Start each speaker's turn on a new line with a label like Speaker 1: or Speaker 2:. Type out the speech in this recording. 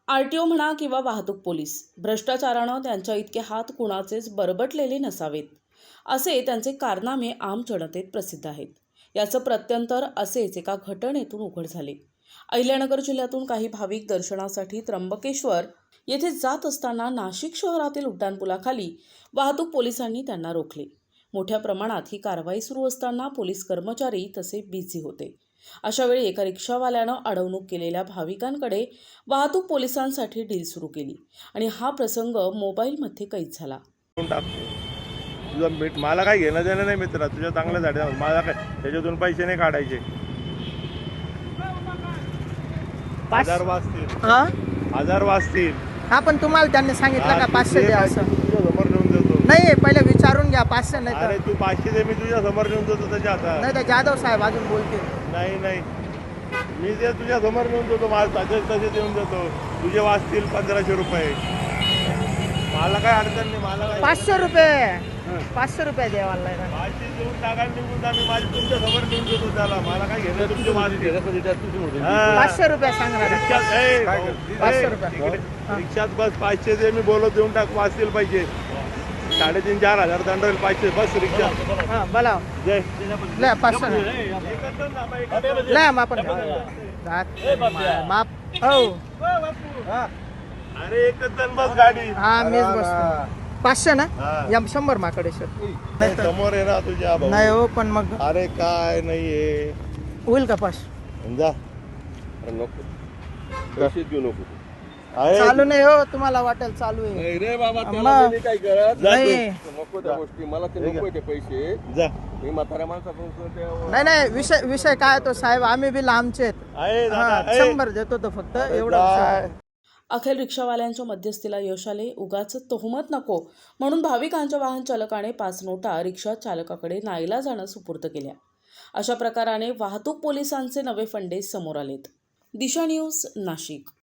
Speaker 1: RTO म्हणा किंवा वाहतूक पोलीस, भ्रष्टाचारानं त्यांच्या इतके हात कुणाचेच बरबटलेले नसावेत, असे त्यांचे कारनामे आम जनतेत प्रसिद्ध आहेत. याचं प्रत्यंतर असेच एका घटनेतून उघड झाले. अहिल्यानगर जिल्ह्यातून काही भाविक दर्शनासाठी त्र्यंबकेश्वर येथे जात असताना नाशिक शहरातील उड्डाणपुलाखाली वाहतूक पोलिसांनी त्यांना रोखले. मोठ्या प्रमाणात ही कारवाई सुरू असताना पोलीस कर्मचारी तसे बिझी होते. अशा वेळी एका रिक्षावाल्यानं अडवणूक केलेल्या भाविकांकडे वाहतूक पोलिसांसाठी डील सुरू केली आणि हा प्रसंग मोबाईलमध्ये कैद झाला.
Speaker 2: तुझं मला काय घेणं देणं नाही मित्रा, तुझ्या चांगल्यासाठी मला काय त्याच्यातून पैसे नाही काढायचे. 1000 वाजतील, 1000 वाजतील.
Speaker 3: हा, पण तुम्हाला त्यांनी सांगितलं का 500 द्या असं?
Speaker 2: तुझ्या समोर नेऊन देतो.
Speaker 3: नाही, पहिले विचारून घ्या. 500 नाही
Speaker 2: अरे तू 500 दे, मी तुझ्या समोर नेऊन देतो त्याच्या हातात.
Speaker 3: नाही तर जाधव साहेब अजून बोलतील.
Speaker 2: नाही मी ते तुझ्या समोर नेऊन देतो. माझं तसे देऊन देतो. तुझे वाजतील 1500 रुपये. मला काय अडचण नाही. मला काय
Speaker 3: 500 रुपये 500 रुपये द्यावाला नाही ना.
Speaker 2: 500 देऊन टाका, निघून जा. मी माझी तुमच्या समोर नेऊन देतो त्याला. मला काय घेणं तुमचे वाजतील.
Speaker 3: 500 रुपये सांगणार.
Speaker 2: रिक्षात
Speaker 3: 500 रुपये
Speaker 2: रिक्षात बस. 500 दे, मी बोलत देऊन टाक. वाजतील पैसे. 3,500-4,000 दंड होईल. 500 बस रिक्षा.
Speaker 3: हा, बोला.
Speaker 2: जय
Speaker 3: ले 500 ले आपण माप. हो,
Speaker 2: अरे एकच जण बस गाडी.
Speaker 3: हा, मीच बसतो. 500 ना. या 100 माकडे
Speaker 2: समोर आहे ना तुझ्या भाऊ.
Speaker 3: नाही हो, पण मग
Speaker 2: अरे काय नाहीये.
Speaker 3: होईल का 500?
Speaker 2: जा.
Speaker 4: नको पैसे घेऊ नको.
Speaker 3: चालू नाही हो, तुम्हाला वाटेल चालू आहे.
Speaker 4: नाही रे बाबा,
Speaker 3: अम्मा.
Speaker 4: त्याला मी काय करत
Speaker 3: नाही
Speaker 4: नको त्या गोष्टी. मला ते नको ते पैसे.
Speaker 2: जा.
Speaker 4: मी म्हाताऱ्या माणसाकडून
Speaker 3: नाही विषय काय तो साहेब, आम्ही बी लांबचे
Speaker 2: आहे दादा,
Speaker 3: आहेत.
Speaker 2: आहे.
Speaker 3: 100 देतो तो फक्त, एवढं
Speaker 2: काय?
Speaker 1: अखेर रिक्षावाल्यांच्या मध्यस्थीला यश आले. उगाच तोहमत नको म्हणून भाविकांच्या वाहन चालकाने 5 नोटा रिक्षा चालकाकडे नाईलाजानं सुपूर्द केल्या. अशा प्रकाराने वाहतूक पोलिसांचे नवे फंडे समोर आलेत. दिशा न्यूज, नाशिक.